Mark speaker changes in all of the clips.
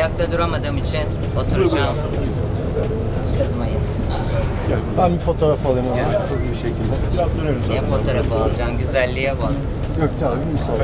Speaker 1: ayakta duramadığım için oturacağım. Kızmayın.
Speaker 2: Ben bir fotoğraf alayım ona hızlı bir şekilde.
Speaker 3: Biraz dönelim
Speaker 1: Niye
Speaker 3: zaten.
Speaker 1: fotoğrafı alacaksın? Güzelliğe bak.
Speaker 2: Gökçe abi müsaade.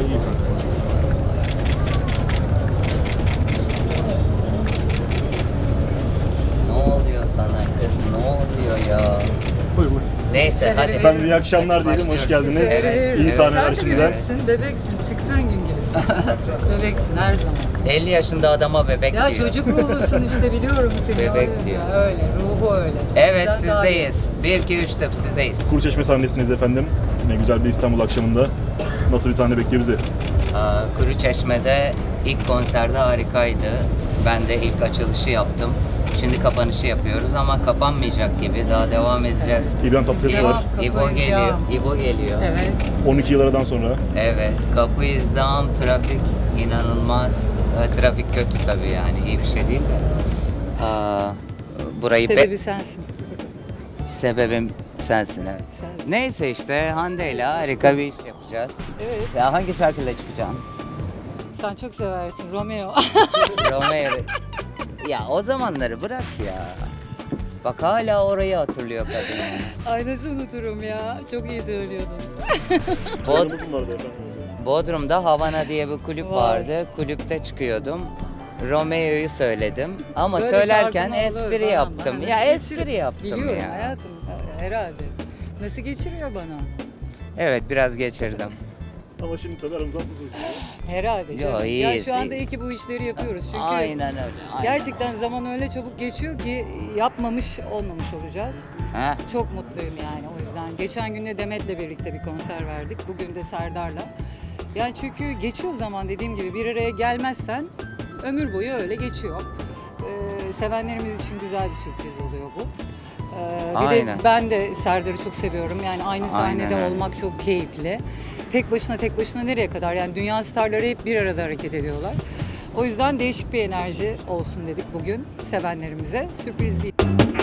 Speaker 1: Ne oluyor sana kız? Ne oluyor ya?
Speaker 2: Buyur buyur.
Speaker 1: Neyse hadi.
Speaker 3: Efendim iyi akşamlar diyelim, hoş
Speaker 1: Başlıyoruz.
Speaker 3: geldiniz.
Speaker 1: Evet.
Speaker 3: İyi sahneler
Speaker 4: Sen de
Speaker 3: şimdiden.
Speaker 4: bebeksin, çıktığın gün gibisin. Bebeksin her zaman.
Speaker 1: 50 yaşında adama bebek
Speaker 4: Ya
Speaker 1: diyor.
Speaker 4: çocuk ruhlusun işte, biliyorum seni.
Speaker 1: Bebek
Speaker 4: o yüzden.
Speaker 1: diyor.
Speaker 4: Öyle, ruhu öyle.
Speaker 1: Evet
Speaker 4: Bizden daha iyi.
Speaker 1: sizdeyiz. 1 2 3 tıp sizdeyiz.
Speaker 3: Kuruçeşme sahnesindeyiz efendim. Ne güzel bir İstanbul akşamında. Nasıl bir sahne bekliyor bizi?
Speaker 1: Kuruçeşme'de ilk konserde harikaydı. Ben de ilk açılışı yaptım. Şimdi kapanışı yapıyoruz ama kapanmayacak gibi. Daha devam edeceğiz.
Speaker 3: İbrahim Tatlıses var.
Speaker 4: Kapı
Speaker 1: İbo geliyor.
Speaker 4: izdiham.
Speaker 1: İbo geliyor.
Speaker 4: Evet.
Speaker 3: 12 yıl aradan sonra.
Speaker 1: Evet, kapı izdiham, trafik inanılmaz. Trafik kötü tabii yani, iyi bir şey değil de. Burayı
Speaker 4: Sebebi sensin.
Speaker 1: sebebim sensin evet.
Speaker 4: Sensin.
Speaker 1: Neyse işte Hande ile harika bir iş yapacağız.
Speaker 4: Evet.
Speaker 1: Ya hangi şarkıyla çıkacağım?
Speaker 4: Sen çok seversin Romeo.
Speaker 1: Romeo. Ya o zamanları bırak ya. Bak hala orayı hatırlıyor kadın.
Speaker 4: Ay nasıl unuturum ya. Çok iyi söylüyordun.
Speaker 1: Bod-
Speaker 3: Aramız vardı efendim.
Speaker 1: Bodrum'da Havana diye bir kulüp
Speaker 4: Var.
Speaker 1: vardı. Kulüpte çıkıyordum. Romeo'yu söyledim ama
Speaker 4: Böyle
Speaker 1: söylerken
Speaker 4: şarkın olur
Speaker 1: espri
Speaker 4: falan.
Speaker 1: yaptım.
Speaker 4: Bana
Speaker 1: Ya
Speaker 4: nasıl
Speaker 1: espri
Speaker 4: geçiriyor?
Speaker 1: yaptım
Speaker 4: Biliyorum
Speaker 1: ya.
Speaker 4: hayatım herhalde. Nasıl geçiriyor bana?
Speaker 1: Evet biraz geçirdim.
Speaker 3: Ama şimdi tabii aramızdan susuz.
Speaker 4: Herhalde
Speaker 1: Yo,
Speaker 4: canım. Ya
Speaker 1: iyiyiz,
Speaker 4: şu anda iyi
Speaker 1: iyiyiz.
Speaker 4: ki bu işleri yapıyoruz. Çünkü
Speaker 1: Aynen öyle. Aynen.
Speaker 4: gerçekten zaman öyle çabuk geçiyor ki yapmamış olmamış olacağız.
Speaker 1: Heh.
Speaker 4: Çok mutluyum yani o yüzden. Geçen gün de Demet'le birlikte bir konser verdik. Bugün de Serdar'la. Yani çünkü geçiyor zaman, dediğim gibi bir araya gelmezsen ömür boyu öyle geçiyor. Sevenlerimiz için güzel bir sürpriz oluyor bu. Bir de
Speaker 1: Aynen.
Speaker 4: ben de Serdar'ı çok seviyorum. Yani aynı sahnede
Speaker 1: Aynen öyle.
Speaker 4: olmak çok keyifli. Tek başına nereye kadar? Yani dünya starları hep bir arada hareket ediyorlar. O yüzden değişik bir enerji olsun dedik bugün sevenlerimize. Sürpriz değil.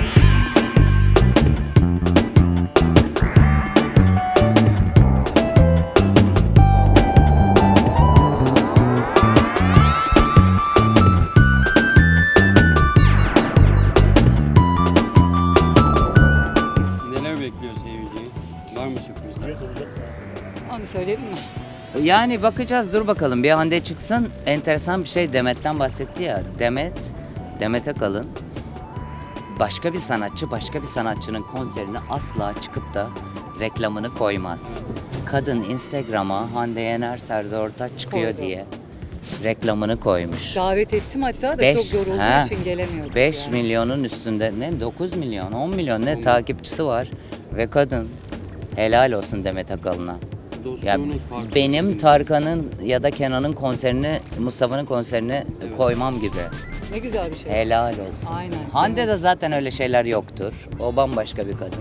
Speaker 5: Neler bekliyor seyirciyi? Var mı sürprizler?
Speaker 3: Evet olacak.
Speaker 4: Onu söyleyelim mi?
Speaker 1: Yani bakacağız dur bakalım bir Hande çıksın. Enteresan bir şey Demet'ten bahsetti ya. Demet Akalın başka bir sanatçı başka bir sanatçının konserine asla çıkıp da reklamını koymaz. Kadın Instagram'a Hande Yener Serdar Ortaç çıkıyor
Speaker 4: Koydu.
Speaker 1: diye reklamını koymuş.
Speaker 4: Davet ettim hatta da
Speaker 1: Beş-
Speaker 4: çok yorulduğum
Speaker 1: ha,
Speaker 4: için gelemiyorduk.
Speaker 1: 5
Speaker 4: yani.
Speaker 1: milyonun üstünde ne 9 milyon 10 milyon ne takipçisi var ve kadın helal olsun Demet Akalın'a. Ya
Speaker 5: Dostluğunuz farklı.
Speaker 1: benim
Speaker 5: sizin.
Speaker 1: Tarkan'ın ya da Kenan'ın konserini, Mustafa'nın konserini koymam gibi.
Speaker 4: Ne güzel bir şey.
Speaker 1: Helal olsun.
Speaker 4: Aynen.
Speaker 1: Hande'de
Speaker 4: Evet.
Speaker 1: zaten öyle şeyler yoktur. O bambaşka bir kadın.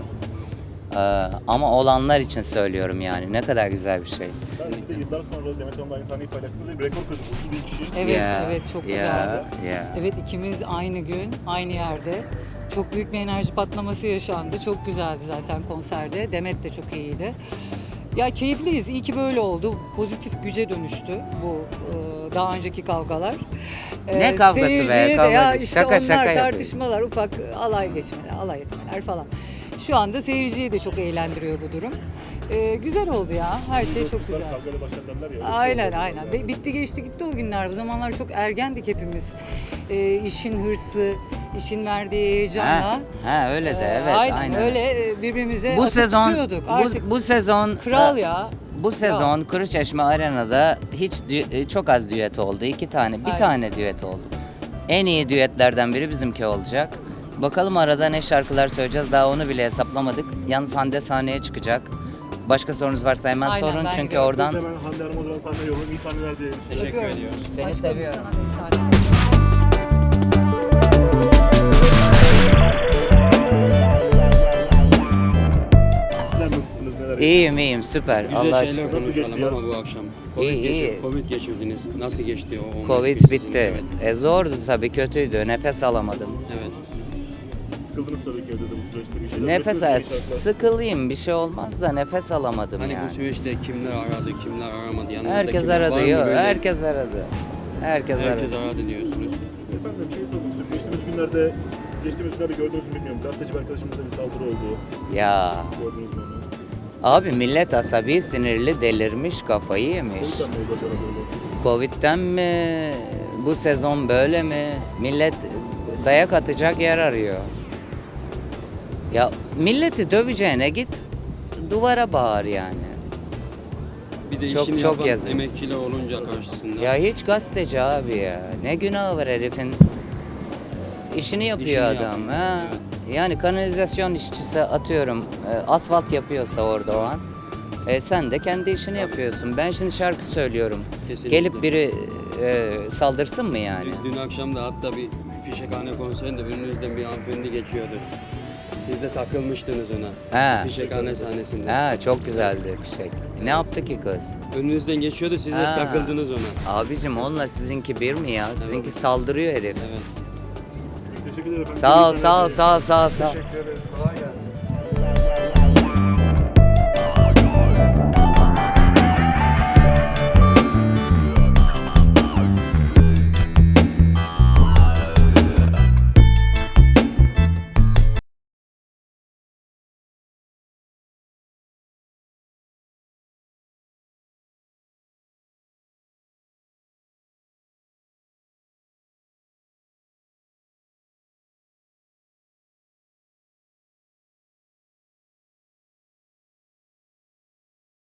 Speaker 1: Ama olanlar için söylüyorum yani. Ne kadar güzel bir şey.
Speaker 3: Ben siz de yıllar sonra Demet Hanım'la aynı sahneyi paylaştınız ve bir rekor kırdık. 31 kişi.
Speaker 4: Evet,
Speaker 1: Ya,
Speaker 4: evet çok güzeldi.
Speaker 1: ya.
Speaker 4: Evet, ikimiz aynı gün, aynı yerde. Çok büyük bir enerji patlaması yaşandı. Çok güzeldi zaten konserde. Demet de çok iyiydi. Ya keyifliyiz. İyi ki böyle oldu. Pozitif güce dönüştü bu daha önceki kavgalar.
Speaker 1: Ne kavgası be?
Speaker 4: Seyirciye de
Speaker 1: Kavga
Speaker 4: ya
Speaker 1: değil.
Speaker 4: işte
Speaker 1: Şaka
Speaker 4: onlar
Speaker 1: şaka yapıyor.
Speaker 4: tartışmalar, ufak alay geçmeler, alay etmeler falan. Şu anda seyirciyi de çok eğlendiriyor bu durum. Güzel oldu ya. Her şey çok güzel.
Speaker 3: Kavgayla başlar derler ya. öyle bir şey
Speaker 4: Aynen
Speaker 3: oldu.
Speaker 4: aynen. Bitti geçti gitti o günler. Bu zamanlar çok ergendik hepimiz. İşin hırsı, işin verdiği heyecanla.
Speaker 1: Öyle de evet
Speaker 4: aynen. Öyle birbirimize
Speaker 1: Bu
Speaker 4: atıp
Speaker 1: sezon
Speaker 4: tutuyorduk. Artık
Speaker 1: bu sezon
Speaker 4: kral ya.
Speaker 1: Bu sezon Kuruçeşme Arena'da çok az düet oldu. 2 tane, bir
Speaker 4: Aynen.
Speaker 1: tane düet oldu. En iyi düetlerden biri bizimki olacak. Bakalım arada ne şarkılar söyleyeceğiz daha onu bile hesaplamadık. Yalnız Hande sahneye çıkacak. Başka sorunuz varsa hemen
Speaker 4: Aynen,
Speaker 1: sorun
Speaker 4: ben
Speaker 1: çünkü
Speaker 4: gördüm.
Speaker 1: oradan
Speaker 3: Biz hemen Hande Hanım'a o zaman sahneye yollayalım. İyi sahneler diyelim.
Speaker 5: Teşekkür
Speaker 4: Öpüyorum.
Speaker 5: ediyorum.
Speaker 1: Seni
Speaker 4: Aşkım,
Speaker 1: seviyorum.
Speaker 4: sana da iyi sahneler.
Speaker 3: Sizler nasılsınız? Neler
Speaker 1: iyiyim süper.
Speaker 5: Güzel
Speaker 1: Allah
Speaker 5: şeyler
Speaker 1: aşkına.
Speaker 3: Nasıl geçti
Speaker 5: konuşalım ama
Speaker 3: yaz?
Speaker 5: bu akşam.
Speaker 1: İyi.
Speaker 5: Covid geçirdiniz. Nasıl geçti o 15 gün
Speaker 1: Covid
Speaker 5: sizin?
Speaker 1: bitti.
Speaker 5: Evet.
Speaker 1: Zordu tabii kötüydü. Nefes alamadım.
Speaker 5: Evet.
Speaker 3: Sıkıldınız tabii ki evde de bu süreçte bir şeyler.
Speaker 1: Nefes
Speaker 3: yapıyorsunuz, şarkılar.
Speaker 1: sıkılayım bir şey olmaz da nefes alamadım
Speaker 5: Hani
Speaker 1: yani.
Speaker 5: bu süreçte kimler aradı, kimler aramadı? Yanınızda
Speaker 1: Herkes
Speaker 5: kimler var
Speaker 1: aradı
Speaker 5: mı
Speaker 1: yok.
Speaker 5: böyle?
Speaker 1: Herkes aradı. Herkes
Speaker 5: Herkes
Speaker 1: aradı.
Speaker 5: aradı diyorsunuz.
Speaker 3: Efendim şey sormak istiyorum. Geçtiğimiz günlerde gördünüz mü bilmiyorum. Gazeteci bir arkadaşımıza bir saldırı oldu.
Speaker 1: Ya
Speaker 3: Gördünüz mü onu?
Speaker 1: abi millet asabi, sinirli, delirmiş, kafayı yemiş.
Speaker 3: O yüzden mi oldu acaba böyle?
Speaker 1: Covid'den mi? Bu sezon böyle mi? Millet dayak atacak yer arıyor. Ya milleti döveceğine git duvara bağır yani.
Speaker 5: Bir de
Speaker 1: Çok-
Speaker 5: işini
Speaker 1: çok
Speaker 5: yapan
Speaker 1: yazık.
Speaker 5: emekçiler olunca karşısında.
Speaker 1: Ya hiç gazeteci abi ya. Ne günahı var herifin? İşini yapıyor
Speaker 5: İşini
Speaker 1: adam.
Speaker 5: yapıyor,
Speaker 1: Ha.
Speaker 5: evet.
Speaker 1: Yani kanalizasyon işçisi atıyorum asfalt yapıyorsa orada o an. Sen de kendi işini yapıyorsun. Ben şimdi şarkı söylüyorum.
Speaker 5: Kesinlikle.
Speaker 1: Gelip biri saldırsın mı yani?
Speaker 5: Dün akşam da hatta bir Fişekhane konserinde önünüzden bir hanımefendi geçiyordu. Siz de takılmıştınız ona.
Speaker 1: Ha.
Speaker 5: Fişekhane sahnesinde.
Speaker 1: Ha çok güzeldi fişek. Ne yaptı ki kız?
Speaker 5: Önünüzden geçiyordu, siz de
Speaker 1: Ha.
Speaker 5: takıldınız ona.
Speaker 1: Abicim onunla sizinki bir mi ya? Sizinki saldırıyor herif.
Speaker 5: Evet.
Speaker 3: Teşekkür ederim efendim.
Speaker 1: Sağ ol,
Speaker 3: İyi
Speaker 1: sağ ol,
Speaker 3: seneler.
Speaker 1: sağ ol, sağ ol, sağ ol.
Speaker 2: Teşekkür ederiz. Kolay gelsin.